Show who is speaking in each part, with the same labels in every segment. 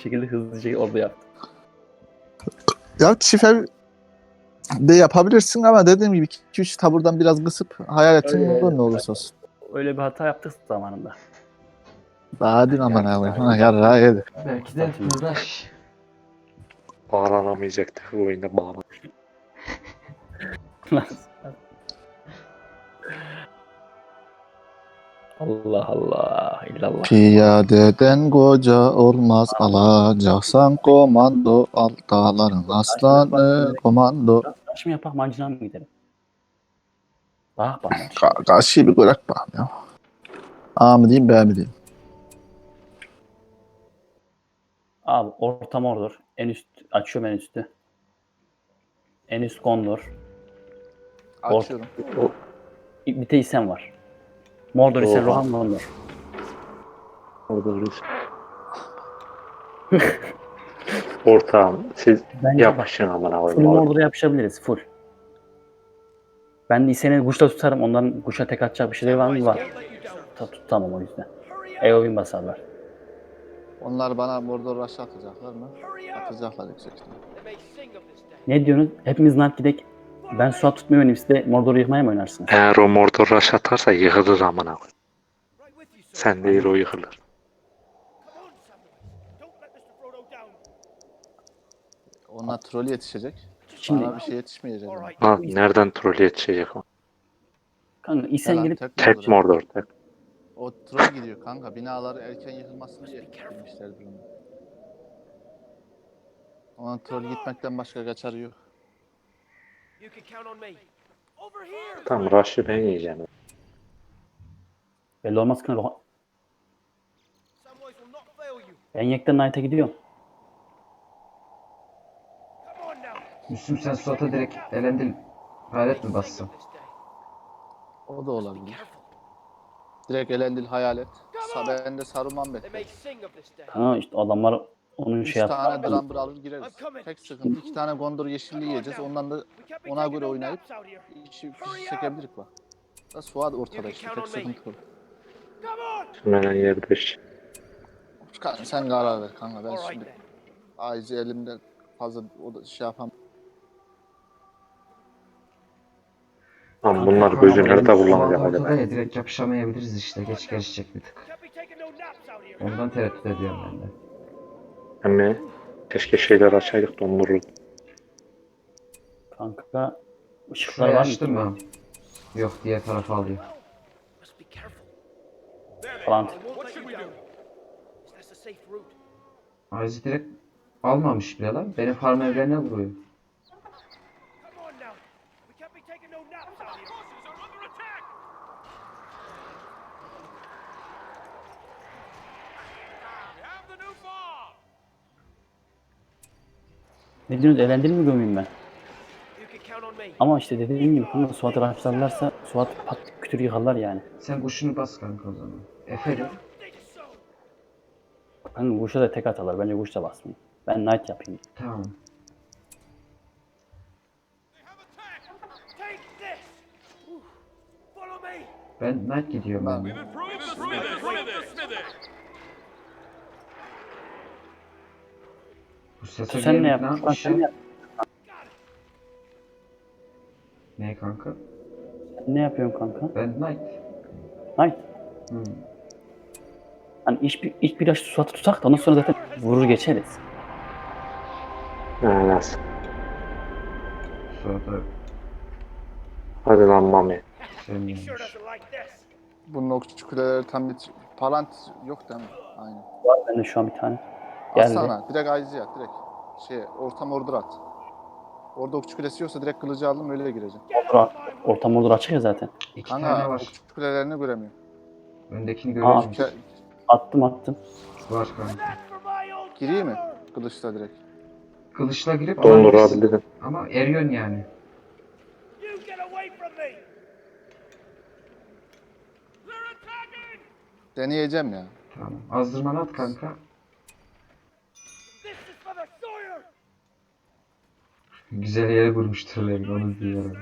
Speaker 1: şekilde hızlıca orada yaptım.
Speaker 2: Ya şife de yapabilirsin ama dediğim gibi 2-3 taburdan biraz kısıp hayaletin olur ne olursa olsun.
Speaker 1: Öyle bir hata yaptık zamanında.
Speaker 2: Hadi aman abi. Yarra yedi.
Speaker 3: Belki de uğraş.
Speaker 4: Bağlanamayacaktı bu oyunda bağlan.
Speaker 1: Allah Allah illallah.
Speaker 2: Piyadeden koca olmaz alacaksan komando al dağların aslanı komando.
Speaker 1: Taş mı yapak mancına mı gidelim? Bak bana.
Speaker 2: Karşıyı bir bırak bakalım ya. A mı diyeyim B mi diyeyim?
Speaker 1: Abi orta mordur. En üst açıyorum en üstü. En üst gondor.
Speaker 2: Açıyorum.
Speaker 1: Bir de isen var. Mordor isen
Speaker 4: Oha.
Speaker 1: Rohan Gondor.
Speaker 4: Orada Rus. Ortağım siz
Speaker 1: Bence
Speaker 4: yapışın amına
Speaker 1: full
Speaker 4: koyayım.
Speaker 1: Mordor'a yapışabiliriz full. Ben de iseni kuşla tutarım. Ondan kuşa tek atacak bir şeyler var mı? Var. Tutamam o yüzden. Eowyn basarlar.
Speaker 2: Onlar bana Mordor rush atacaklar mı? Atacaklar yüksek ihtimalle.
Speaker 1: Ne diyorsunuz? Hepimiz Nart gidek. Ben Suat tutmayı oynayayım. Siz de Mordor'u yıkmaya mı oynarsınız?
Speaker 4: Eğer o Mordor rush atarsa yıkılır amına koyayım. Sen değil o yıkılır.
Speaker 2: Onlar troll yetişecek.
Speaker 1: Şimdi
Speaker 2: Bana bir şey yetişmeyecek.
Speaker 4: Ha, nereden troll yetişecek o?
Speaker 1: kanka isen
Speaker 2: Falan,
Speaker 1: gelip
Speaker 4: Tek Mordor tek.
Speaker 2: O troll gidiyor kanka. Binaları erken yıkılmasın diye girmişlerdir onu. Onun troll gitmekten başka kaçarı yok.
Speaker 4: Tamam rush'ı ben yiyeceğim.
Speaker 1: belli olmaz kanka. Ben Yek'ten Knight'a gidiyorum.
Speaker 3: Müslüm sen Suat'a direkt elendil. Hayalet mi bassın?
Speaker 2: O da olabilir. Direkt elendil hayalet. Ben de Saruman bekliyorum.
Speaker 1: Kanka işte adamlar onun
Speaker 2: 3
Speaker 1: şey
Speaker 2: tane
Speaker 1: yaptı.
Speaker 2: Drumber alır gireriz. Tek sıkıntı 2 tane Gondor yeşilliği yiyeceğiz. Ondan da ona göre oynayıp işi çekebilirik bak. Da Suat ortada işte. Tek sıkıntı o.
Speaker 4: Hemen yerde işte.
Speaker 2: Kanka sen karar ver kanka. Ben şimdi Aizi elimde fazla o da şey yapamam.
Speaker 4: Lan bunlar gözü nerede kullanacak
Speaker 3: Suat ortada
Speaker 4: acaba?
Speaker 3: ya direkt yapışamayabiliriz işte. Geç gelişecek bir tık. Ondan tereddüt ediyorum ben de.
Speaker 4: Hem keşke şeyler açaydık dondururdu.
Speaker 1: Kanka ışıklar
Speaker 3: Şurayı
Speaker 1: var
Speaker 3: açtın
Speaker 1: mı?
Speaker 3: mı? Yok diğer tarafa alıyor.
Speaker 1: Falan.
Speaker 3: Aizi direkt almamış bile lan. Benim farm evlerine vuruyor.
Speaker 1: Ne diyorsunuz? Eğlendin mi gömeyim ben? Ama işte dediğim gibi kanka Suat'ı raşlarlarsa Suat pat kütür yıkarlar yani.
Speaker 3: Sen kuşunu bas kanka o zaman. Efe'de.
Speaker 1: Kanka kuşa da tek atarlar. Bence kuş da basmayayım. Ben Knight yapayım.
Speaker 3: Tamam. Ben Knight gidiyorum ben de. Bu sese
Speaker 1: Sen ne
Speaker 3: gelip ne
Speaker 1: yapıyorsun?
Speaker 3: yapmış
Speaker 1: Sen ne
Speaker 3: ya?
Speaker 1: yap-
Speaker 3: Ne kanka?
Speaker 1: Ne yapıyorsun kanka?
Speaker 3: Ben Knight.
Speaker 1: Knight.
Speaker 3: Hmm.
Speaker 1: Hani ilk bir Suat'ı tutak da ondan sonra zaten vurur geçeriz.
Speaker 4: Nasıl?
Speaker 3: Suat'a
Speaker 4: Hadi lan Mami.
Speaker 3: sevmiyormuş.
Speaker 2: Bunun o küçük kuleleri tam bir palant yok değil mi? Aynen.
Speaker 1: Var bende şu an bir tane. Geldi.
Speaker 2: Atsana. Direkt Aizi at. Direkt. Ortam order at. Orada okçu kulesi yoksa direkt kılıcı aldım öyle gireceğim.
Speaker 1: Ortam olur açık ya zaten.
Speaker 3: İki tane
Speaker 2: Kanka
Speaker 3: var.
Speaker 2: okçu kulelerini göremiyorum.
Speaker 3: Öndekini
Speaker 1: Aa.
Speaker 3: görüyor musun?
Speaker 1: Attım.
Speaker 3: Var kanka.
Speaker 2: Gireyim mi? Kılıçla direkt.
Speaker 3: Kılıçla girip alabilirsin.
Speaker 4: Dondurabilirim.
Speaker 3: Ama eriyorsun yani.
Speaker 2: Deneyeceğim ya.
Speaker 3: Tamam. Azdırmanı at kanka. Güzel yere vurmuştur herhalde, onu diyorum.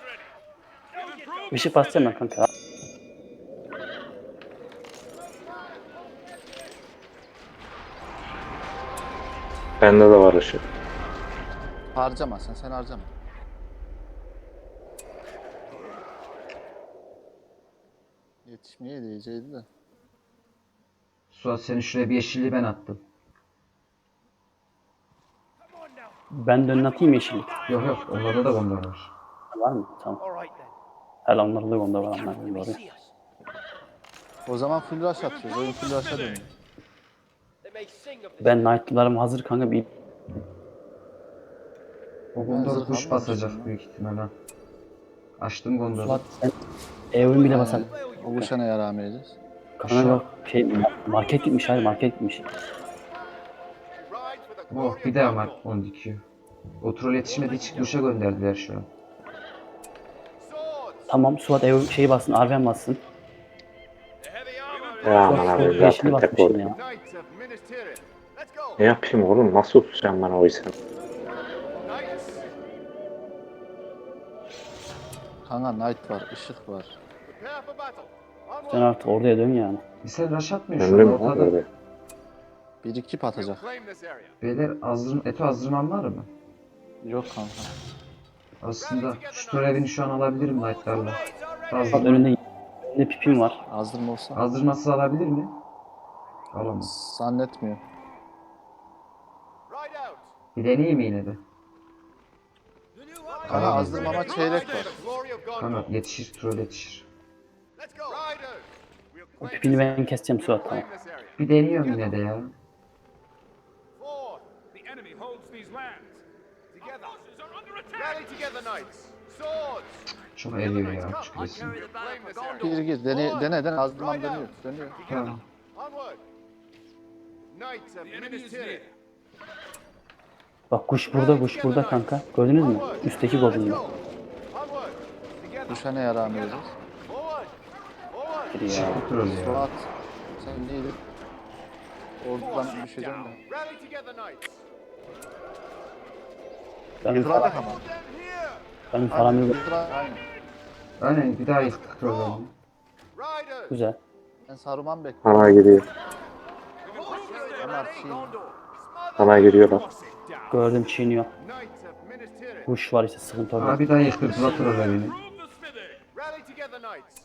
Speaker 1: Işık basacağım ben kanka.
Speaker 4: Bende de var ışık.
Speaker 2: Harcama sen harcama. Yetişmeye diyeceydi de.
Speaker 3: Suat senin şuraya bir yeşilliği ben attım.
Speaker 1: Ben de önüne atayım yeşillik.
Speaker 3: Yok yok onlarda da gondor var.
Speaker 1: Var mı? Tamam. Hele onlarda da onda var. Onlar doğru.
Speaker 2: O zaman full rush atıyoruz. Oyun full rush'a dönüyor.
Speaker 1: Ben Knight'larım hazır kanka bir
Speaker 3: O gondor
Speaker 2: zırh
Speaker 3: kuş
Speaker 2: almamışım
Speaker 3: basacak
Speaker 2: ya.
Speaker 3: büyük ihtimalle. Açtım gondoru.
Speaker 1: Suat sen evrim bile basar.
Speaker 2: O kuşa ne yaramayacağız?
Speaker 1: Kanka yok market gitmiş hayır market gitmiş.
Speaker 3: Oh bir daha var onu dikiyor. O troll yetişmedi hiç kuşa gönderdiler şu an.
Speaker 1: Tamam Suat evrim şeyi bassın Arven bassın.
Speaker 4: Ya aman abi
Speaker 1: Suat yeşili
Speaker 4: zaten tek
Speaker 1: basmışsın
Speaker 4: oldu.
Speaker 1: ya.
Speaker 4: Ne yapayım oğlum? Nasıl tutacağım ben o isim?
Speaker 2: Kanka Knight var, ışık var.
Speaker 1: Sen artık oraya dön yani.
Speaker 3: Sen rush atmıyor şu an
Speaker 4: Ömrüm
Speaker 3: ortada.
Speaker 4: orada.
Speaker 2: Bir iki atacak.
Speaker 3: Beyler Eto azdırmam var mı?
Speaker 2: Yok kanka.
Speaker 3: Aslında şu törevini şu an alabilirim Knight'larla.
Speaker 1: Suat önünde pipim var.
Speaker 2: Azdırma olsa.
Speaker 3: Azdırmasız alabilir mi? Alamaz.
Speaker 2: Zannetmiyorum.
Speaker 3: Bir deneyeyim yine de.
Speaker 2: Kanka azdırmama çeyrek var.
Speaker 3: Kanka yetişir, troll yetişir.
Speaker 1: O pipini ben keseceğim Suat tamam.
Speaker 3: Bir deniyorum yine de ya.
Speaker 5: The enemy holds these lands.
Speaker 6: Together.
Speaker 5: Our forces are under attack.
Speaker 6: Rally together, knights. Swords.
Speaker 3: Çok eriyor ya şu resim.
Speaker 6: Claim this area.
Speaker 2: Gir dene azdırmam dönüyor. Dönüyor.
Speaker 3: Tamam.
Speaker 6: Onward. Knights of
Speaker 5: The enemy
Speaker 6: Minas
Speaker 5: is near.
Speaker 6: Tirith.
Speaker 1: Bak kuş burada kanka. Gördünüz mü? Üstteki goblin.
Speaker 6: Onward. Together.
Speaker 2: Kuşa ne yaramayacağız?
Speaker 6: Forward. Forward.
Speaker 1: Ya.
Speaker 3: Çıktı troll ya.
Speaker 2: Suat. Sen neydin? Oradan düşeceğim de.
Speaker 6: Rally together, knights.
Speaker 1: Benim
Speaker 2: Yıkılarak
Speaker 1: param,
Speaker 2: ama.
Speaker 6: Them here.
Speaker 1: benim param yok.
Speaker 2: Aynen.
Speaker 3: Aynen bir daha yıktık trollerini.
Speaker 6: Riders.
Speaker 1: Güzel.
Speaker 2: Ben Saruman bekliyorum.
Speaker 4: Ana giriyor.
Speaker 2: Onlar şey.
Speaker 4: Ana giriyorlar.
Speaker 1: Gördüm çiğniyor.
Speaker 6: Knights of Minas Tirith.
Speaker 1: Kuş var işte sıkıntı orada.
Speaker 3: Aa bir daha yıktırdılar trollerini.
Speaker 5: Prove the smithy.
Speaker 6: Rally together, knights.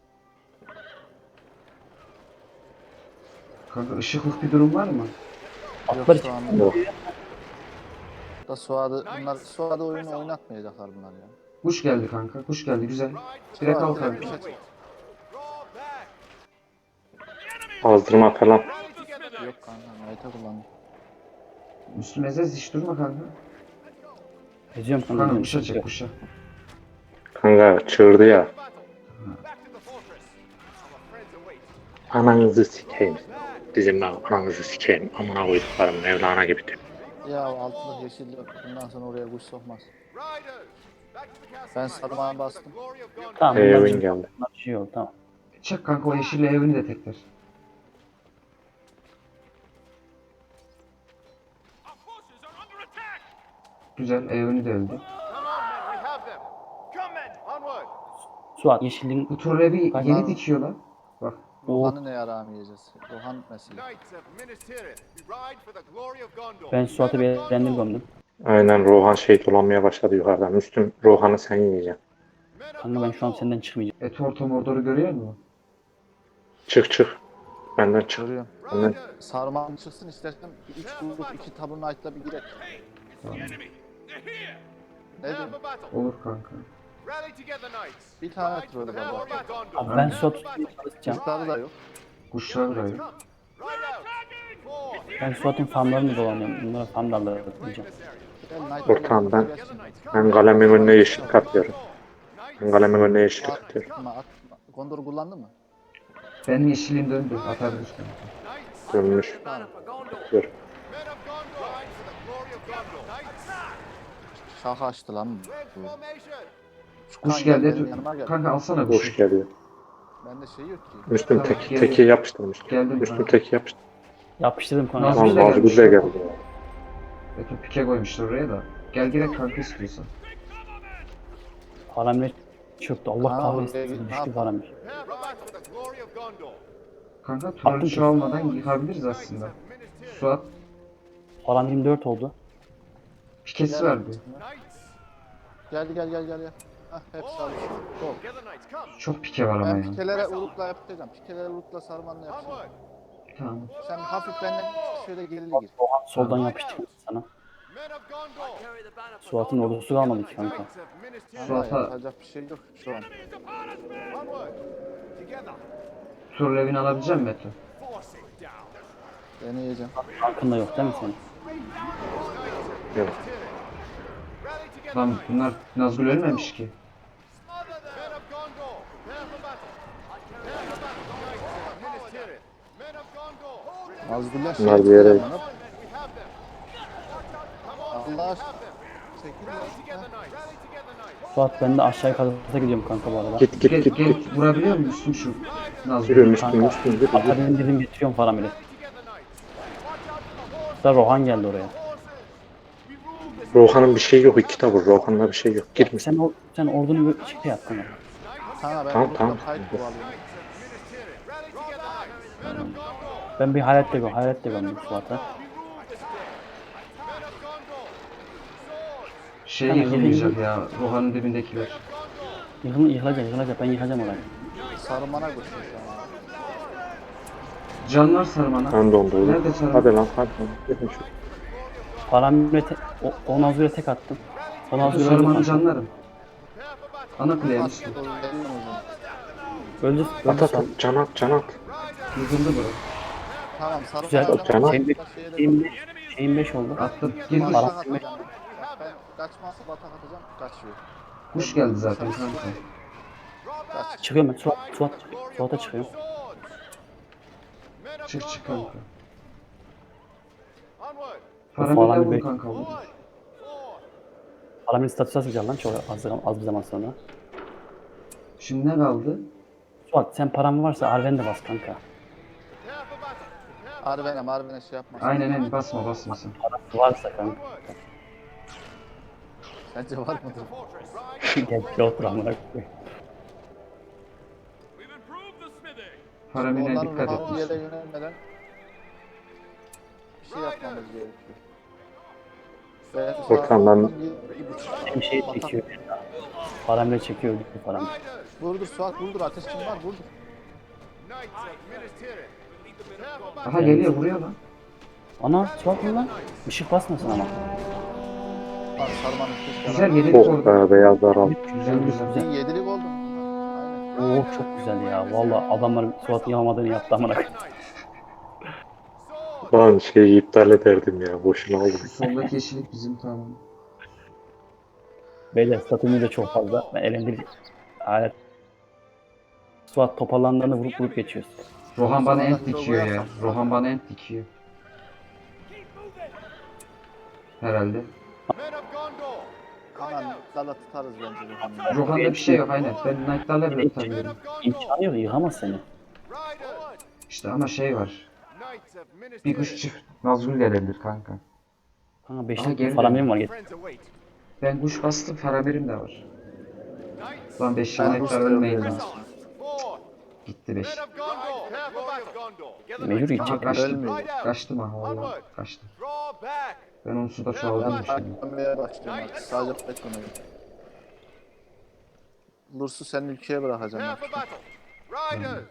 Speaker 3: Kanka ışıklık bir durum var mı?
Speaker 1: Atlar
Speaker 2: Yok şu
Speaker 1: için.
Speaker 2: an.
Speaker 4: Yok.
Speaker 2: Da Suad'ı oyunu oynatmayacaklar bunlar ya.
Speaker 3: Kuş geldi kanka. Kuş geldi güzel. Direkt al kanka.
Speaker 6: Draw back.
Speaker 4: Azdırma falan.
Speaker 6: Rally together, knights.
Speaker 2: Yok kanka. Knight'ı kullandım.
Speaker 3: Müslüm Ezez hiç durma kanka.
Speaker 1: Geziyorum kanka.
Speaker 3: Kanka
Speaker 1: benim
Speaker 3: kuşa
Speaker 1: sıkıntı
Speaker 3: çek
Speaker 1: yok.
Speaker 3: kuşa.
Speaker 4: Kanka çığırdı ya.
Speaker 6: Battle. Back to the fortress. Our friends await.
Speaker 4: Ananızı sikeyim. Bizim ananızı sikeyim. Amına koyduklarım Mevlana gibi diyor.
Speaker 2: Ya altında yeşil yok. Bundan sonra oraya kuş sokmaz.
Speaker 6: Riders. Back to the castle,
Speaker 2: Ben
Speaker 6: knights.
Speaker 2: Saruman'a
Speaker 6: Ride for
Speaker 2: bastım.
Speaker 6: the glory of Gondor.
Speaker 1: Tamam.
Speaker 4: Evin geldi.
Speaker 1: Bunlar bir şey oldu tamam.
Speaker 3: Çek kanka o yeşille evini de tekrar.
Speaker 5: Our forces are under attack.
Speaker 3: Güzel evini de öldü.
Speaker 6: Come on, men. We have them. Come, men. Onward.
Speaker 1: Suat yeşilliğin
Speaker 3: Bu trollevi
Speaker 1: Kanka-
Speaker 3: yeni dikiyorlar. Bak
Speaker 2: Rohan'ı ne yaramayacağız? Rohan mesele.
Speaker 6: Knights of Minas Tirith. We ride for the glory of Gondor.
Speaker 1: ben Suat'ı
Speaker 6: Men of
Speaker 1: beğendim
Speaker 6: Gondor.
Speaker 1: gömdüm.
Speaker 4: Aynen Rohan şey dolanmaya başladı yukarıdan. Müslüm Rohan'ı sen yiyeceksin.
Speaker 6: Men of
Speaker 1: Kanka ben şu an
Speaker 6: Gondor.
Speaker 1: senden çıkmayacağım.
Speaker 3: Eto Mordor'u görüyor musun?
Speaker 4: Çık. Benden çık.
Speaker 2: Görüyorum.
Speaker 6: Riders.
Speaker 2: Saruman çıksın istersen 3 grup 2 tabur Knight'la bir girek.
Speaker 5: The enemy. They're here.
Speaker 2: Ne
Speaker 6: Prepare
Speaker 2: diyeyim?
Speaker 6: for battle.
Speaker 3: Olur kanka.
Speaker 6: Rally together, knights.
Speaker 2: Bir tane
Speaker 6: Ride for the
Speaker 2: troll var.
Speaker 6: glory of Gondor.
Speaker 1: Abi ben Suat'ı tutmaya çalışacağım.
Speaker 2: Kuşları da yok.
Speaker 3: Kuşlar da yok.
Speaker 6: Ride out. Four.
Speaker 1: Ben Suat'ın farmlarını dolanıyorum. Bunlara farmlarla
Speaker 6: Claim
Speaker 1: atlayacağım.
Speaker 6: this area.
Speaker 2: Gel Knight
Speaker 4: Dur, tamam, ben-
Speaker 2: gelsin.
Speaker 4: Ben kalemin önüne yeşil katıyorum. Ben kalemin önüne yeşil katıyorum.
Speaker 2: Atma. Gondor'u kullandın mı?
Speaker 3: Benim yeşilim döndü. Atabilir kanka.
Speaker 6: Knights.
Speaker 4: Dönmüş.
Speaker 6: Men of Gondor.
Speaker 4: Dur.
Speaker 6: Men of Gondor. Ride for the glory of Gondor. Knights.
Speaker 2: Şaka açtı lan.
Speaker 6: Red
Speaker 2: bu.
Speaker 6: formation.
Speaker 2: Şu
Speaker 3: Kuş
Speaker 2: kan gel,
Speaker 3: geldi.
Speaker 2: benim yanıma gel.
Speaker 3: Kanka alsana
Speaker 4: Boş
Speaker 3: kuşu.
Speaker 4: geliyor.
Speaker 2: Bende şey yok ki.
Speaker 4: Müslüm
Speaker 3: Tamam,
Speaker 4: teki,
Speaker 3: geliyor.
Speaker 4: teki yapıştırmış.
Speaker 3: Geldim
Speaker 4: Müslüm
Speaker 3: kanka.
Speaker 4: teki yapıştır.
Speaker 1: Yapıştırdım kanka.
Speaker 3: Nazlı
Speaker 4: Lan
Speaker 3: ile gelmiş.
Speaker 4: Nazgül de geldi.
Speaker 3: Eto pike koymuşlar oraya da. Gel direkt kanka istiyorsan.
Speaker 1: Param çöktü. Allah
Speaker 2: Ha,
Speaker 1: kahretsin.
Speaker 2: oraya git, ne
Speaker 1: Düştü
Speaker 2: yapalım?
Speaker 1: param.
Speaker 6: Prepare for battle for the glory of Gondor.
Speaker 3: Kanka trollü
Speaker 1: Attım
Speaker 3: şu almadan yıkabiliriz
Speaker 6: Knights
Speaker 3: aslında.
Speaker 6: of Minas Tirith.
Speaker 3: Suat
Speaker 1: Falan 24 oldu.
Speaker 3: Pikesi var bir.
Speaker 6: Knights.
Speaker 2: Gel. Hah hepsi alışıyor. Go.
Speaker 6: Together, knights, come.
Speaker 3: Çok pike var ama
Speaker 2: Ben
Speaker 3: ya.
Speaker 2: pikelere urukla yapacağım. Pikelere urukla sarmanla yapacağım.
Speaker 6: Onward.
Speaker 3: Tamam.
Speaker 2: Sen hafif benden şöyle gerili gir.
Speaker 1: Rohan soldan yapıştı sana.
Speaker 6: Men of Gondor.
Speaker 1: Suat'ın ordusu kalmadı ki kanka.
Speaker 6: Knights of Minas Tirith.
Speaker 2: Ama
Speaker 3: Suat'a
Speaker 2: yapacak bir şey yok şu an.
Speaker 5: Enemies upon us, men!
Speaker 6: Onward. Together.
Speaker 3: Surlev'ini alabilecek misin Meto?
Speaker 6: Force it down.
Speaker 2: Deneyeceğim.
Speaker 1: Tankında yok değil mi senin?
Speaker 4: Yok.
Speaker 6: Rally together,
Speaker 3: Lan
Speaker 6: knights.
Speaker 3: bunlar Nazgul ölmemiş ki.
Speaker 6: Smother them. Men of Gondor. Prepare for battle. Prepare for battle. Knights of Minas Tirith. Men of Gondor.
Speaker 2: Nazgûl'ler
Speaker 4: Bunlar bir yere-
Speaker 6: We have them. Come on.
Speaker 2: Allah
Speaker 6: We
Speaker 2: aşkına.
Speaker 6: have them.
Speaker 2: Çekil
Speaker 6: Rally
Speaker 2: ya.
Speaker 6: together, knights. Rally together, knights.
Speaker 1: Suat ben de aşağıya kadar gidiyorum kanka bu arada.
Speaker 4: Git
Speaker 3: Gel,
Speaker 4: git.
Speaker 3: gel vurabiliyor musun şu
Speaker 4: Yürü
Speaker 3: Nazgul'ü?
Speaker 4: Müslüm Müslüm yürü.
Speaker 1: Akademi dedim getiriyorum Faramir'i.
Speaker 6: Rally together, knights. Watch out for the horses.
Speaker 1: Da Rohan geldi oraya.
Speaker 6: Horses. We rule this.
Speaker 4: Rohan'ın bir şey yok. İki tavır. Rohan'da bir şey yok. Girme.
Speaker 1: Sen ordunu bir şey yap kanka.
Speaker 2: Sana ben
Speaker 4: Tamam,
Speaker 2: urukla
Speaker 4: tamam.
Speaker 2: kayıt kovalıyorum.
Speaker 6: Minas Tirith. Rally together, knights. Men of Gondor.
Speaker 1: Ben bir hayalet de gömdüm Suat'a.
Speaker 6: We rule this day. Men of Gondor. Swords.
Speaker 3: Şey
Speaker 1: Tamam,
Speaker 3: yıkılmayacak ya. Rohan'ın dibindekiler.
Speaker 1: Yıkılacak ben yıkacağım orayı.
Speaker 2: Sarmana koşuyor şu an.
Speaker 3: Canlar sarmana.
Speaker 4: Ben dondu oğlum.
Speaker 3: Nerede sarman?
Speaker 4: Hadi lan hadi lan. Gidin şu.
Speaker 1: Faramir'e o Nazgül'e tek attım. O
Speaker 3: Meto
Speaker 1: Nazgül
Speaker 3: sarmanı
Speaker 1: öldü.
Speaker 3: canlarım.
Speaker 6: Prepare for battle.
Speaker 3: Ana kuleye
Speaker 2: At
Speaker 3: Müslüm.
Speaker 2: o elini o zaman.
Speaker 1: Öldü
Speaker 4: At
Speaker 1: Suat.
Speaker 4: at. Can at can at.
Speaker 3: Yıkıldı bura.
Speaker 2: Tamam sarı
Speaker 1: Güzel.
Speaker 2: falan
Speaker 4: Canım.
Speaker 1: Şeyin 5 oldu.
Speaker 3: Attım. Gir kuş.
Speaker 2: Batak atacağım. Ben kaçmazsa batak atacağım. Kaçıyor.
Speaker 3: Kuş geldi zaten kanka.
Speaker 2: Kaç.
Speaker 1: Çıkıyorum ben. Suat'a çıkıyorum.
Speaker 6: Swords. Men of
Speaker 3: Çık çık
Speaker 6: Gondor.
Speaker 3: kanka.
Speaker 6: Onward.
Speaker 3: Paramile
Speaker 1: Falan
Speaker 3: vur
Speaker 1: bir-
Speaker 3: kanka vur.
Speaker 6: Forward. Forward.
Speaker 1: Faramir'in statüsü atacağım lan çok az bir zaman sonra.
Speaker 3: Şimdi ne kaldı?
Speaker 1: Suat sen paran varsa Arven de bas kanka.
Speaker 6: Prepare for battle. Prepare for
Speaker 2: Arven'e şey yapma.
Speaker 3: Aynen basma sen.
Speaker 1: Varsa kanka.
Speaker 6: onward.
Speaker 2: Sence var mıdır?
Speaker 6: Fortress.
Speaker 1: Gel bir otur amına koyayım.
Speaker 5: We've improved the smithy!
Speaker 3: Paramine
Speaker 2: Onların
Speaker 3: dikkat et.
Speaker 2: ruhalı yere yönelmeden bir şey yapmamız gerekiyor. Ve
Speaker 4: Furkan, ben-
Speaker 1: Hem şey çekiyor. Paramir çekiyor öldü Paramir.
Speaker 6: Riders.
Speaker 2: Vurdur Suat vurdur ateş kim var vurdur.
Speaker 6: Knights of Minas Tirith. Prepare for battle.
Speaker 3: Aha geliyor vuruyor lan.
Speaker 1: Ana Suat mı lan? Işık basmasın ama.
Speaker 2: Bak sarmanın keşke.
Speaker 3: Güzel
Speaker 2: adam-
Speaker 3: yedik
Speaker 4: Oh
Speaker 3: orada.
Speaker 4: be beyazlar al.
Speaker 3: Güzel güzel.
Speaker 2: Bir yedilik oldu. Aynen.
Speaker 1: Oo çok güzel ya. Valla adamlar Suat'ın yapamadığını yaptı amına koyayım.
Speaker 6: Sword.
Speaker 4: Lan şeyi iptal ederdim ya. Boşuna aldım.
Speaker 3: Soldaki yeşillik bizim tamam.
Speaker 1: Beyler statümüz de çok fazla. Ben elimde alet. Suat toparlandığında vurup geçiyoruz.
Speaker 3: Rohan bana ent dikiyor ya. Rohan bana ent dikiyor. Herhalde.
Speaker 6: Men of Gondor.
Speaker 2: Hemen dala tutarız bence Rohan'ı.
Speaker 3: Rohan'da bir şey yok aynen. Ben Knight'larla bile
Speaker 6: Men
Speaker 3: tutabilirim.
Speaker 6: of Gondor.
Speaker 1: İmkanı yok yıkamaz seni.
Speaker 6: Riders.
Speaker 3: İşte ama şey var.
Speaker 6: Knights of Minas
Speaker 3: Bir kuş
Speaker 6: Tirith.
Speaker 3: çift Nazgul gelebilir kanka.
Speaker 1: Kanka
Speaker 3: Aha,
Speaker 1: 5'lik
Speaker 3: geri
Speaker 1: Faramirim var.
Speaker 6: Friends await.
Speaker 3: Ben kuş bastım Faramir'im de var.
Speaker 6: Knights.
Speaker 3: Lan 5
Speaker 2: Ben
Speaker 3: Knight'lar
Speaker 2: kuş
Speaker 3: ölmeyin
Speaker 2: diyorum.
Speaker 3: lan.
Speaker 6: Forward.
Speaker 3: Gitti 5.
Speaker 6: Men of Gondor. Prepare for battle.
Speaker 1: Mecbur
Speaker 3: Aha
Speaker 1: gidecek.
Speaker 3: kaçtım.
Speaker 2: Ölmüyor.
Speaker 3: Kaçtım aha valla. Kaçtım.
Speaker 6: Draw back.
Speaker 3: Ben onu suda çoğaldım şimdi.
Speaker 2: Dönmeye başlıyorum artık. Sadece beklemeyin. Lurs'u senin ülkeye bırakacağım
Speaker 6: Prepare
Speaker 2: ben.
Speaker 6: for battle. Riders.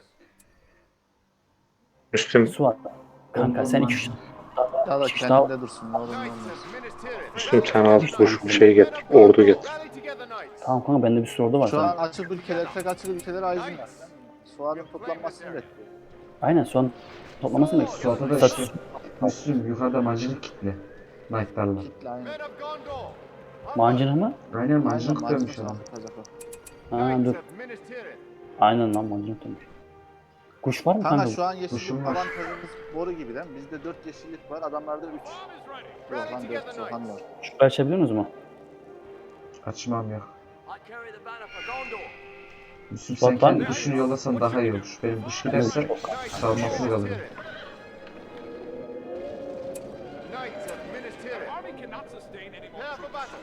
Speaker 4: Müslüm
Speaker 1: Suat. Kanka sen 2-3
Speaker 2: Ya da
Speaker 1: İşte daha-
Speaker 2: kendinde dursun. Ne olur ne
Speaker 6: Knights
Speaker 2: olmaz.
Speaker 6: of Minas Tirith.
Speaker 4: Müslüm sen az kuş şey getir. Ordu getir.
Speaker 6: Rally together, knights.
Speaker 1: Tamam kanka bende bir sürü ordu var.
Speaker 2: Şu an
Speaker 1: Tamam.
Speaker 2: açık ülkeler, tek açık ülkeler aydın var. Suat'ın toplanmasını bekliyor.
Speaker 1: Aynen Suat toplamasını bekliyor.
Speaker 3: Suat'a da
Speaker 1: Statüs.
Speaker 3: işte Müslüm yukarıda mancınık kitle. Knight'larla.
Speaker 2: Kitle aynen.
Speaker 6: Men of Gondor.
Speaker 1: Mancınık mı?
Speaker 3: Aynen
Speaker 2: Aynen
Speaker 3: mancınık dönmüş
Speaker 2: mancınık
Speaker 3: adam.
Speaker 2: atacak o.
Speaker 1: Ha
Speaker 6: Knights
Speaker 1: dur.
Speaker 6: of Minas Tirith.
Speaker 1: Aynen lan mancınık dönmüş. Kuş var mı
Speaker 2: Kanka
Speaker 1: kanka?
Speaker 2: şu an
Speaker 3: Kuşum
Speaker 2: yeşillik
Speaker 3: var.
Speaker 2: avantajımız boru gibi değil mi? Bizde 4 yeşillik var, adamlarda 3. Yok lan 4 Soğan var.
Speaker 1: Şurayı açabiliyor musunuz mu?
Speaker 3: Açmam yok. Müslüm
Speaker 1: Suat
Speaker 3: sen
Speaker 1: var
Speaker 3: kendi
Speaker 1: mı?
Speaker 3: kuşunu yollasan daha iyi olur. Benim kuş giderse savunmasız kalırım.
Speaker 6: Knights of Minas Tirith.
Speaker 5: Army cannot sustain any more
Speaker 6: Prepare for
Speaker 5: troops.
Speaker 6: battle.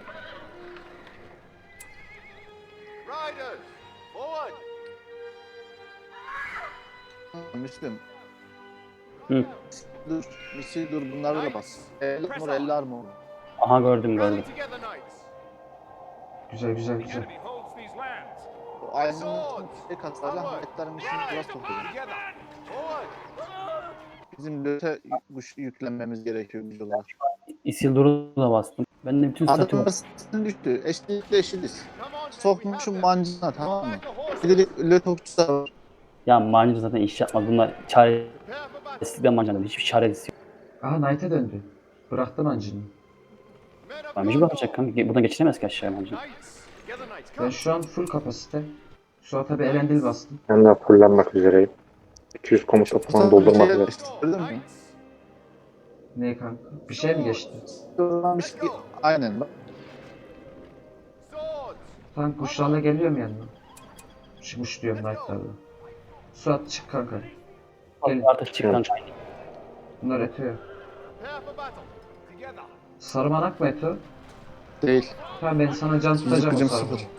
Speaker 6: Riders. Forward.
Speaker 2: Müslüm,
Speaker 1: Hı.
Speaker 2: Misil dur bunları da bas. 50 armor.
Speaker 1: Aha gördüm.
Speaker 6: Rally together, knights.
Speaker 3: Güzel güzel
Speaker 5: The
Speaker 3: güzel.
Speaker 5: enemy holds these lands.
Speaker 2: O aydınlık şey kaslarla Knight'ların işini biraz toplayalım.
Speaker 6: Together. Forward.
Speaker 2: Bizim löte güç yüklenmemiz gerekiyor güç olarak.
Speaker 1: Isildur'u da bastım. Ben de bütün statü var.
Speaker 2: Adamlar düştü. Eşlikle eşitiz.
Speaker 6: Come on,
Speaker 2: Sokmuşum mancına tamam mı?
Speaker 6: Back the horses.
Speaker 2: Bir de löte okçusu da var.
Speaker 1: Ya mancınık zaten iş yapmaz. Bunlar çaresizlikten
Speaker 6: Prepare for battle.
Speaker 1: mancınık. Hiçbir çaresi yok.
Speaker 3: Aha Knight'e döndü. Bıraktı mancını.
Speaker 6: Men of
Speaker 1: Ben mecbur yapacak kanka. Buradan geçiremez ki aşağıya mancınık.
Speaker 6: Knights. Together, knights.
Speaker 3: Ben
Speaker 6: Come.
Speaker 3: şu an full kapasite. Suat'a bir elendil bastım.
Speaker 4: Ben de fullenmek üzereyim. 200 komuta puan doldurmak üzere.
Speaker 2: Gördün mü?
Speaker 3: Ne kanka? Bir şey mi geçti?
Speaker 2: Aynen bak.
Speaker 6: Swords.
Speaker 3: Tank kuşlarla geliyorum yanına. Kuş diyorum Knight'larla. Suat çık kanka. Gel.
Speaker 1: Artık çık kanka.
Speaker 3: Bunlar Eto'ya.
Speaker 6: Prepare for battle. Together.
Speaker 3: Sarmanak mı Eto?
Speaker 2: Değil.
Speaker 3: Tamam ben sana can
Speaker 2: Fizik
Speaker 3: tutacağım o
Speaker 2: gücüm
Speaker 3: sarmanak.
Speaker 2: 0.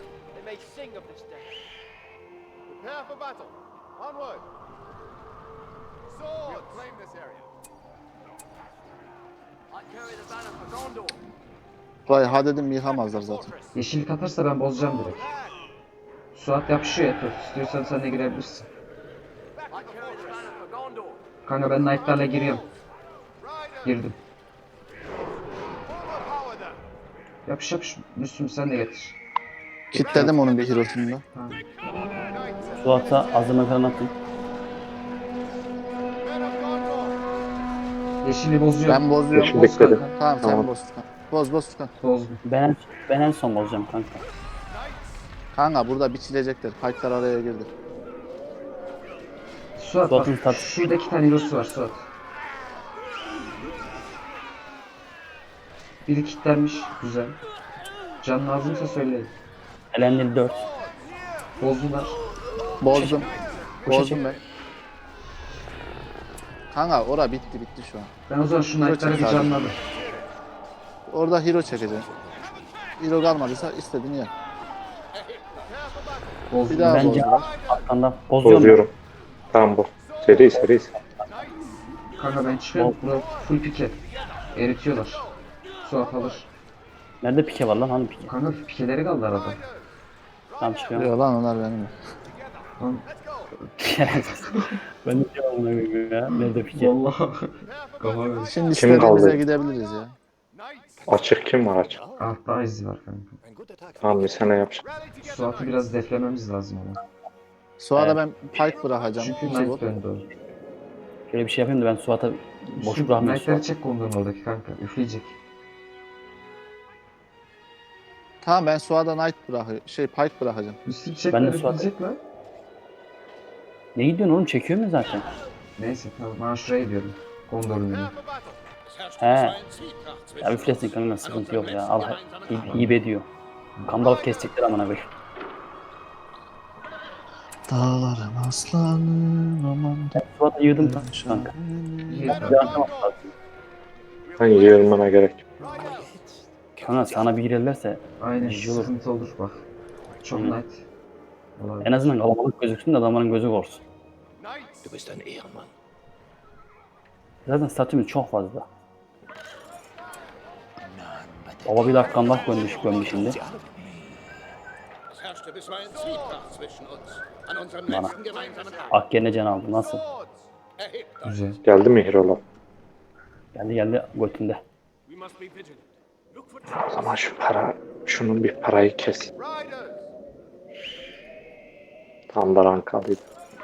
Speaker 6: Prepare for battle. Onward. Swords. We'll claim this area.
Speaker 2: Vay ha dedim yıkamazlar zaten.
Speaker 3: Yeşillik atarsa ben bozacağım direkt. Suat yapışıyor Eto. İstiyorsan sen de girebilirsin.
Speaker 6: Back to the fortress.
Speaker 3: Kanka ben Knight'larla giriyorum.
Speaker 6: Riders.
Speaker 3: Girdim.
Speaker 6: Overpower them.
Speaker 3: Yapış yapış. Müslüm sen de getir.
Speaker 2: Kitledim onun bir hirosunu da.
Speaker 3: Tamam.
Speaker 6: Knights.
Speaker 1: Suat'a azıma falan atın.
Speaker 6: Men of Gondor.
Speaker 3: Yeşili bozuyorum.
Speaker 2: Ben bozuyorum.
Speaker 4: Yeşil
Speaker 2: Boz
Speaker 4: bekledim.
Speaker 2: kanka. Tamam
Speaker 4: Tamam.
Speaker 2: sen boz Furkan. Boz Furkan.
Speaker 3: Bozdum.
Speaker 1: Ben en son bozacağım kanka.
Speaker 2: Kanka burada biçilecekler. Fightlar araya girdi.
Speaker 3: Suat bak.
Speaker 1: Suat'ın tat-
Speaker 3: Şurada 2 tane hero'su var Suat. Biri kilitlenmiş. Güzel. Can lazımsa söyleyin.
Speaker 1: Elendil 4.
Speaker 3: Bozdular.
Speaker 2: Bozdum.
Speaker 1: Boşa
Speaker 2: Bozdum
Speaker 1: çek.
Speaker 2: ben. Kanka ora bitti şu an.
Speaker 3: Ben o zaman şu Knight'ları bir
Speaker 2: çek abi.
Speaker 3: canladım.
Speaker 2: Orada hero çekeceğim. Hero kalmadıysa istediğini yap. Bir
Speaker 3: Bozdum.
Speaker 2: daha
Speaker 1: Bence
Speaker 2: bozdular.
Speaker 1: arkandan bozuyorum.
Speaker 4: Bozuyorum. Tamam bu. Seri.
Speaker 3: Kanka ben çıkıyorum. Bura full pike. Eritiyorlar. Suat alır.
Speaker 1: Nerede pike var lan? Hani pike?
Speaker 3: Kanka pikeleri kaldı arada.
Speaker 1: Tamam çıkıyorum.
Speaker 2: Yok lan onlar benim.
Speaker 3: Lan
Speaker 1: Ben de şey amına koyayım ya. Nerede pike?
Speaker 3: vallahi. Kafa ver.
Speaker 2: Şimdi
Speaker 4: Kim
Speaker 2: istediğimize
Speaker 4: kaldı?
Speaker 2: gidebiliriz ya.
Speaker 4: Açık kim var açık?
Speaker 3: Ah daha izi var kanka.
Speaker 4: Tamam bir sene yapacak.
Speaker 6: Rally together,
Speaker 3: Suat'ı biraz deflememiz lazım ama.
Speaker 2: Sonra ben pike bırakacağım.
Speaker 3: Çünkü
Speaker 2: İki
Speaker 3: Knight
Speaker 2: bot.
Speaker 3: döndü o.
Speaker 1: Şöyle bir şey yapayım da ben Suat'a boş
Speaker 3: Müslüm
Speaker 1: bırakmayayım.
Speaker 3: Knight'ları
Speaker 1: Suat.
Speaker 3: çek konduğun oradaki kanka. Üfleyecek.
Speaker 2: Tamam ben Suada Knight pike bırakacağım.
Speaker 3: Müslüm çek
Speaker 1: Ben de
Speaker 3: lan
Speaker 1: Suat'a-
Speaker 3: üfleyecek lan.
Speaker 1: Ne gidiyorsun oğlum? Çekiyor mu zaten?
Speaker 3: Neyse tamam ben şuraya gidiyorum. Gondor'un önüne.
Speaker 6: prepare for battle.
Speaker 1: He. Ya üflesin kanka sıkıntı yok ya. Al iyi ediyor. Kambalık kesecekler amına koyayım.
Speaker 2: Dağların aslanı aman.
Speaker 1: Suat'a yığdım kanka.
Speaker 3: İyi,
Speaker 6: Men of
Speaker 3: kanka.
Speaker 1: Yardım
Speaker 6: Gondor.
Speaker 1: lazım.
Speaker 4: Ben yığılmana gerek yok.
Speaker 6: Riders.
Speaker 1: Kanka sana bir girerlerse
Speaker 3: Aynen
Speaker 1: İyi olur.
Speaker 3: sıkıntı olur bak. Çok
Speaker 1: Hı.
Speaker 3: Knight. Olabilir.
Speaker 1: en azından kalabalık gözüksün de adamların gözü korksun.
Speaker 6: Knights.
Speaker 1: Zaten statümüz çok fazla. Baba bir dakika Allah gömmüş şimdi. Bana. Ak yerine can aldı. Nasıl?
Speaker 6: Swords.
Speaker 3: Güzel.
Speaker 4: Geldi mi Hirola?
Speaker 1: Geldi götünde.
Speaker 5: We must be vigilant. Look for
Speaker 4: O zaman şunun bir parayı kes.
Speaker 6: Riders.
Speaker 4: Tam da rank alayım.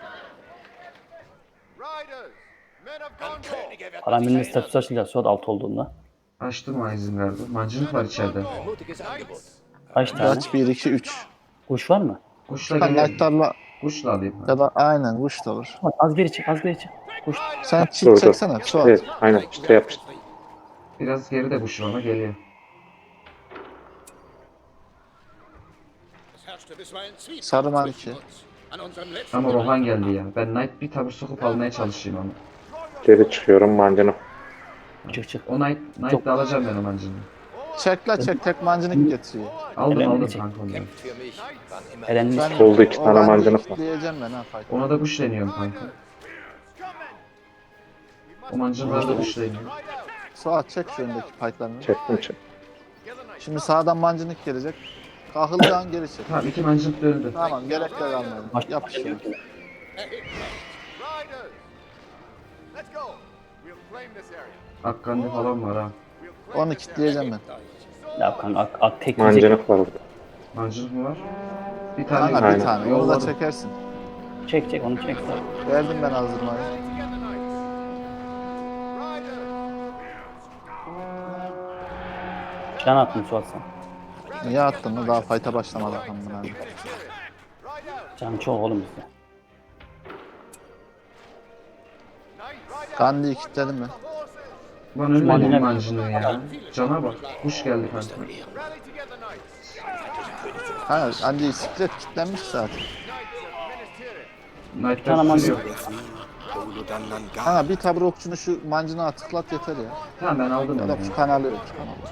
Speaker 6: Riders. Men of Gondor.
Speaker 1: Paramil'in statüsü açılacak Suat 6 olduğunda.
Speaker 3: Açtım o Isengard'ı. Mancınık var içeride.
Speaker 6: Knights.
Speaker 1: Kaç tane?
Speaker 2: Kaç 1 2 3.
Speaker 1: Kuş var mı?
Speaker 3: Kuşla
Speaker 2: Ben
Speaker 3: geliyorum.
Speaker 2: Knight'larla
Speaker 3: Kuşla alayım.
Speaker 2: ya da aynen kuş da olur.
Speaker 1: Suat, az geri çık az geri çık. Kuş.
Speaker 2: Sen
Speaker 4: Dur
Speaker 2: çift
Speaker 4: dur.
Speaker 2: çeksene Suat.
Speaker 4: Evet aynen işte yapıştı.
Speaker 3: Biraz geride kuş ama geliyor.
Speaker 2: Sarı manki.
Speaker 3: Ama Rohan geldi ya. Ben Knight bir tavır sokup almaya çalışayım ama.
Speaker 4: Geri çıkıyorum mancını.
Speaker 1: Çık.
Speaker 3: O Knight de alacağım ben o mancını.
Speaker 2: Çek tek mancınık getiriyor.
Speaker 3: Aldım
Speaker 1: Elendil
Speaker 3: aldım
Speaker 1: çek.
Speaker 3: kanka ondan.
Speaker 1: Erenmiş.
Speaker 2: Ben
Speaker 4: Oldu, 2 tane mancınık var.
Speaker 2: Diyeceğim ben ha fight.
Speaker 3: Ona da kuş deniyorum kanka. O mancınlar da dışlayın.
Speaker 2: Suat çek şu öndeki paytlarını.
Speaker 4: Çektim.
Speaker 2: Şimdi sağdan mancınık gelecek. Kahıldığı an geri çek.
Speaker 3: Tamam 2 mancınık döndü.
Speaker 2: Tamam gerek de kalmadı. Yap işte.
Speaker 6: Riders, let's go. We'll claim this area.
Speaker 3: Akkandi falan var ha.
Speaker 6: We'll claim
Speaker 2: Onu
Speaker 6: this
Speaker 2: kitleyeceğim ben.
Speaker 1: Ya kanka tek yiyecek.
Speaker 4: Mancınık var orada.
Speaker 3: Mancınık mı var? Bir tane
Speaker 2: Kanka bir
Speaker 4: Aynen.
Speaker 2: tane. Onu da
Speaker 3: Yolladım.
Speaker 2: çekersin.
Speaker 1: Çek onu çek.
Speaker 2: Verdim ben azdırmayı.
Speaker 6: together, knights. Riders,
Speaker 1: Can attım Suat sen.
Speaker 2: Niye attın mı? Daha fight'a başlamadı amına.
Speaker 6: ride out.
Speaker 1: Can çok oğlum bizde.
Speaker 6: Knights,
Speaker 2: Gandhi'yi kilitledim ben.
Speaker 6: horses.
Speaker 3: Lan ölmedi
Speaker 1: Mancınık.
Speaker 3: bu mancınığı ya. Cana bak. Kuş geldi kanka.
Speaker 6: Rally together, knights.
Speaker 2: Ha Gandhi siklet kilitlenmiş zaten.
Speaker 6: Knights of Minas Tirith.
Speaker 1: Bir tane
Speaker 3: Knight'lar
Speaker 1: mancınık.
Speaker 3: sürüyor.
Speaker 2: Kanka bir tabur okçunu şu mancına tıklat yeter ya.
Speaker 3: Tamam ben aldım
Speaker 2: Ya
Speaker 3: onu.
Speaker 2: da
Speaker 3: ya.
Speaker 2: küpen alıyorum. Küpen alıyorum.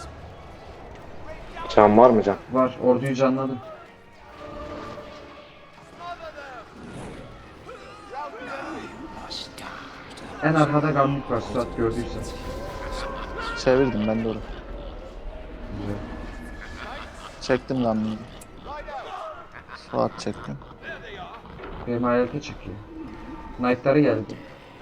Speaker 4: Can var mı can?
Speaker 3: Var orduyu canladım. En arkada gamlik var Suat gördüysen.
Speaker 2: Çevirdim ben de oraya.
Speaker 3: Güzel.
Speaker 2: Çektim Gandhi'yi. Suat çektim.
Speaker 3: Benim hayalete çıkıyor. Knight'ları geldi.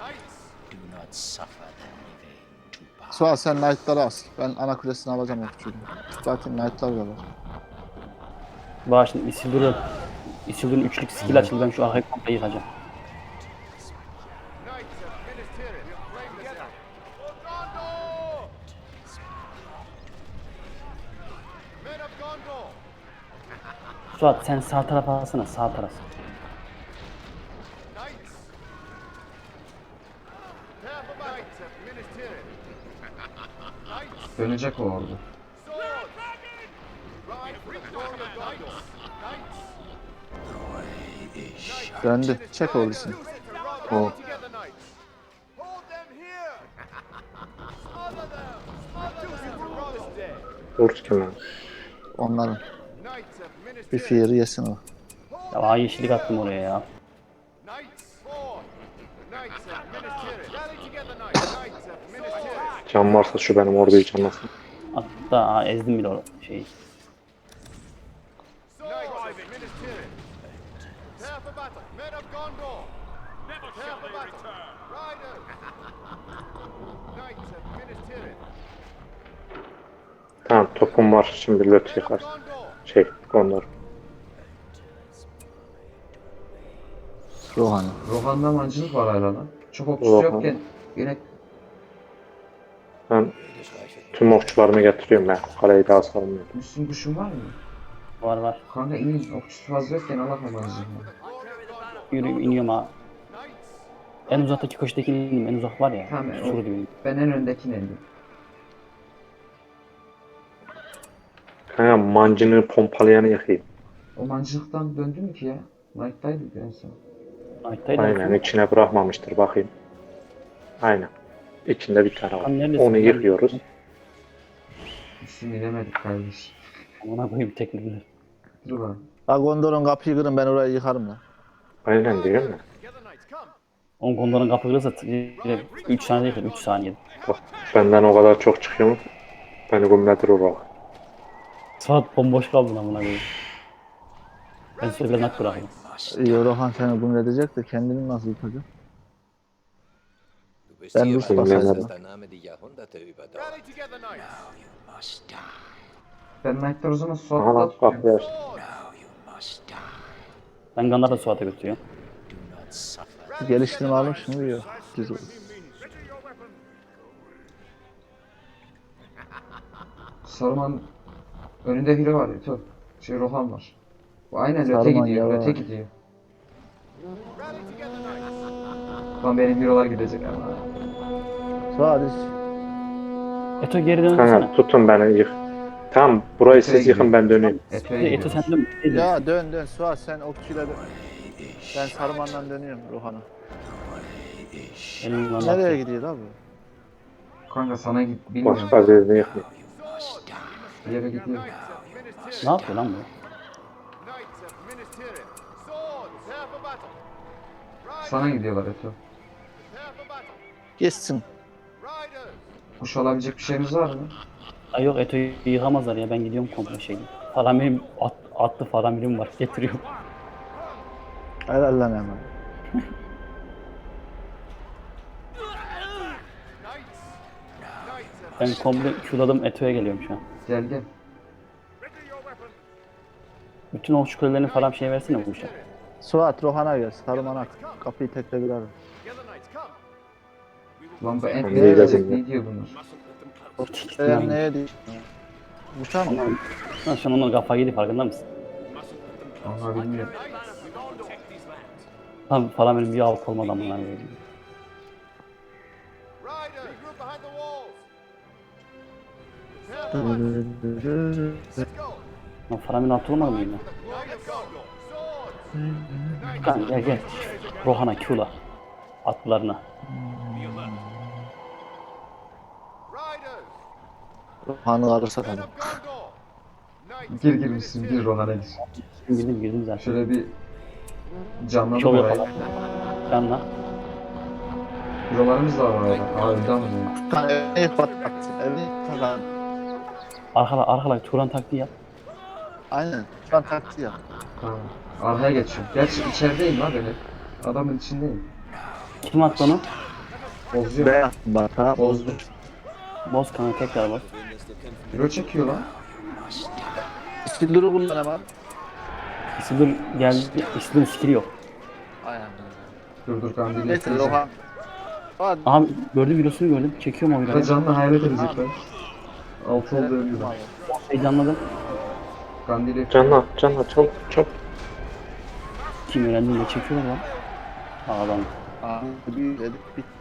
Speaker 2: Suat sen Knight'ları as. Ben ana kulesini alacağım okçuyla. Zaten Knight'lar da var.
Speaker 1: Bak şimdi Isildur'un üçlük skill açıldı. Ben şu arkayı komple yıkacağım.
Speaker 6: Knights of Minas Tirith. We'll claim this area. Gondor! Men of Gondor.
Speaker 1: Suat sen sağ tarafa alsana sağ taraf.
Speaker 6: Knights. Prepare for battle. Knights of Minas Tirith. Knights.
Speaker 3: Dönecek o ordu.
Speaker 6: Swords. Ride for the glory of Gondor. Knights.
Speaker 2: Döndü. Çek ordusunu.
Speaker 6: Rally together, knights. Hold them here. Smother them. Smother them. This day.
Speaker 4: Dur kim lan?
Speaker 2: Onların.
Speaker 6: Knights of Minas
Speaker 2: Bir
Speaker 6: Tirith.
Speaker 2: fiiri yesin o.
Speaker 1: Ya yeşillik attım oraya ya.
Speaker 6: Knights. Forward. Knights of Minas Tirith. Rally together, knights. Knights of Minas Tirith.
Speaker 4: Can varsa şu benim orduyu canlasın.
Speaker 1: Hatta ezdim bile o şeyi.
Speaker 6: Knights of Minas Tirith. Prepare for battle. Men of Gondor.
Speaker 5: Never
Speaker 6: Prepare
Speaker 5: shall
Speaker 6: for
Speaker 5: they
Speaker 6: battle.
Speaker 5: return.
Speaker 6: Riders. Knights of Minas Tirith.
Speaker 4: Tamam topum var. Şimdi löt yıkar.
Speaker 6: Gondor.
Speaker 4: Şey Gondor.
Speaker 2: Rohan'ı.
Speaker 3: Rohan'da mancınık var hala lan. Çok okçusu
Speaker 4: Rohan.
Speaker 3: yokken yine
Speaker 4: Ben tüm okçularımı getiriyorum ben. Kaleyi daha salmıyorum.
Speaker 3: Müslüm kuşun var mı?
Speaker 1: Var.
Speaker 3: Kanka inin okçusu fazla yokken Allah mancınığı.
Speaker 1: Yürü iniyorum ha. En uzaktaki köşedeki ineyim. En uzak var ya.
Speaker 3: Tamam,
Speaker 1: Sur
Speaker 3: o-
Speaker 1: gibi.
Speaker 3: Ben en öndekine indim.
Speaker 4: Kanka mancını pompalayanı yakayım.
Speaker 3: O mancınıktan döndü mü ki ya? Knight'taydı en son.
Speaker 1: Aytaydı.
Speaker 4: Aynen içine bırakmamıştır bakayım. Aynen. İçinde bir tane
Speaker 1: Lan
Speaker 4: var.
Speaker 1: neredesin
Speaker 4: Onu
Speaker 1: lan?
Speaker 4: yıkıyoruz.
Speaker 3: Müslüm inemedik kardeş.
Speaker 1: Amına koyayım tekrar.
Speaker 3: Dur lan.
Speaker 2: Ha Gondor'un kapıyı kırın ben orayı yıkarım lan.
Speaker 4: Aynen diyorum ya.
Speaker 6: Together, knights. Come.
Speaker 1: 10 konuların kapı kırılsa 3 saniye yıkar. 3 saniye.
Speaker 4: Bak benden o kadar çok çıkıyor mu? Beni gümledir o bak.
Speaker 1: Saat bomboş kaldın amına koyayım. Ben söyle nak bırakayım.
Speaker 2: İyi Rohan seni gümledecek de kendini nasıl yıkacak?
Speaker 7: Du bist
Speaker 2: Ben
Speaker 7: hier,
Speaker 2: Lust
Speaker 7: weil
Speaker 2: basarım.
Speaker 7: du dass dein Name die Jahrhunderte überdauert.
Speaker 6: Rally together, knights.
Speaker 3: Ben Knight'lar o zaman
Speaker 4: Aha
Speaker 3: Suat'ta
Speaker 4: lan
Speaker 3: tutuyorum.
Speaker 4: kapıyı aç.
Speaker 6: Swords.
Speaker 1: Ben Gandar'da Suat'a götürüyorum.
Speaker 2: Geliştirme almış mı? Yok. Düz oldu.
Speaker 3: Saruman önünde biri var ya. Şey Rohan var. Bu aynen öte
Speaker 2: Saruman
Speaker 3: gidiyor.
Speaker 2: yavaş.
Speaker 3: Öte gidiyor.
Speaker 6: Rally together, knights.
Speaker 3: Lan benim hero'lar gidecek ama.
Speaker 2: Suat hiç.
Speaker 1: Eto geri dönsene.
Speaker 4: Kanka tutun beni yık. Tamam burayı
Speaker 3: Öteye
Speaker 4: siz yıkın ben döneyim.
Speaker 3: Eto'ya
Speaker 1: Eto
Speaker 3: gidiyor.
Speaker 1: sen dön.
Speaker 2: Ya dön Suat sen okçuyla dön. Ben Saruman'dan dönüyorum Rohan'a.
Speaker 1: Benim
Speaker 2: Nereye gidiyor abi?
Speaker 3: Kanka sana bilmiyorum.
Speaker 4: Başka birini yıkmayın.
Speaker 3: Bir yere gidiyor.
Speaker 6: Knights of Minas Tirith.
Speaker 1: Ne yapıyor lan bu?
Speaker 6: Knights of Minas Tirith. Swords. Prepare for battle. Riders.
Speaker 3: Sana gidiyorlar Eto.
Speaker 6: Prepare for battle.
Speaker 2: Geçsin.
Speaker 6: Riders!
Speaker 3: Kuş olabilecek bir şeyimiz var mı?
Speaker 1: Ay yok Eto'yu yıkamazlar ya ben gidiyorum komple şeydi. Faramirim atlı faramirim var getiriyorum.
Speaker 2: Helal lan hemen.
Speaker 6: Knights! Knights!
Speaker 1: Ben komple şuladım Eto'ya geliyorum şu an.
Speaker 3: Gel gel.
Speaker 5: Ready your weapon.
Speaker 1: Bütün o şükürlerini falan şey versene bu işe.
Speaker 2: Suat Rohan'a gel. Saruman'a kapıyı tekle bir ara.
Speaker 6: Together, knights, come!
Speaker 3: Lan bu en
Speaker 4: Nereye
Speaker 3: ne diyor bunlar?
Speaker 5: Mustn't let them close.
Speaker 2: Eğer neye değil? Uçar mı?
Speaker 1: Lan şu an onlar kafayı yedi farkında mısın?
Speaker 5: Mustn't let them close.
Speaker 3: Onlar bilmiyor.
Speaker 5: We will protect these lands.
Speaker 1: Tam faramirim bir alt olmadı amına koyayım.
Speaker 6: Riders! Regroup behind the walls! Prepare for battle! Let's go!
Speaker 1: Lan faramirin altı olmadı mı yine?
Speaker 6: Knights, go! Swords!
Speaker 1: Kan gel gel. Rohan'a Q'la. Atlarına.
Speaker 6: Riders!
Speaker 2: Rohan'ı alırsa
Speaker 6: Men
Speaker 2: tabii.
Speaker 6: of Gondor! Knights!
Speaker 3: Gir girmişsin gir Ronan'a gir.
Speaker 1: Girdim zaten.
Speaker 3: Şöyle bir canladım
Speaker 1: Şov
Speaker 3: orayı.
Speaker 1: yapalım. Canla.
Speaker 3: Eurolarımız da var orada. Aa önden mi?
Speaker 2: Evini patlattı. Evini takan.
Speaker 1: Arkala Turan taktiği yap.
Speaker 2: Aynen. Şu an taksi ya.
Speaker 3: Tamam. Arkaya geçiyorum. Gerçi içerideyim lan benim. Adamın içindeyim.
Speaker 1: Kim attı onu?
Speaker 3: Bozuyor.
Speaker 2: Ben attım bak ha.
Speaker 3: Bozdu.
Speaker 1: Boz kanı tekrar boz.
Speaker 3: Euro çekiyor lan.
Speaker 2: Skill'leri kullan hemen.
Speaker 1: Isildur geldi. Isildur'un skill'i yok.
Speaker 2: Aynen.
Speaker 3: Dur kandili
Speaker 2: Neyse
Speaker 3: ekleyeceğim.
Speaker 2: Rohan. Hadi.
Speaker 1: Aha gördüm videosunu gördüm. Çekiyorum o
Speaker 3: Burada
Speaker 1: videoyu.
Speaker 3: canlı hayret edecekler. Altı oldu ölüyor.
Speaker 1: Heyecanladım.
Speaker 3: Kandili
Speaker 4: Canla, canla, çok, çok.
Speaker 1: Kim öğrendiğinde çekiyorlar lan. Aa, adam.
Speaker 2: Aa, bir edip bitti.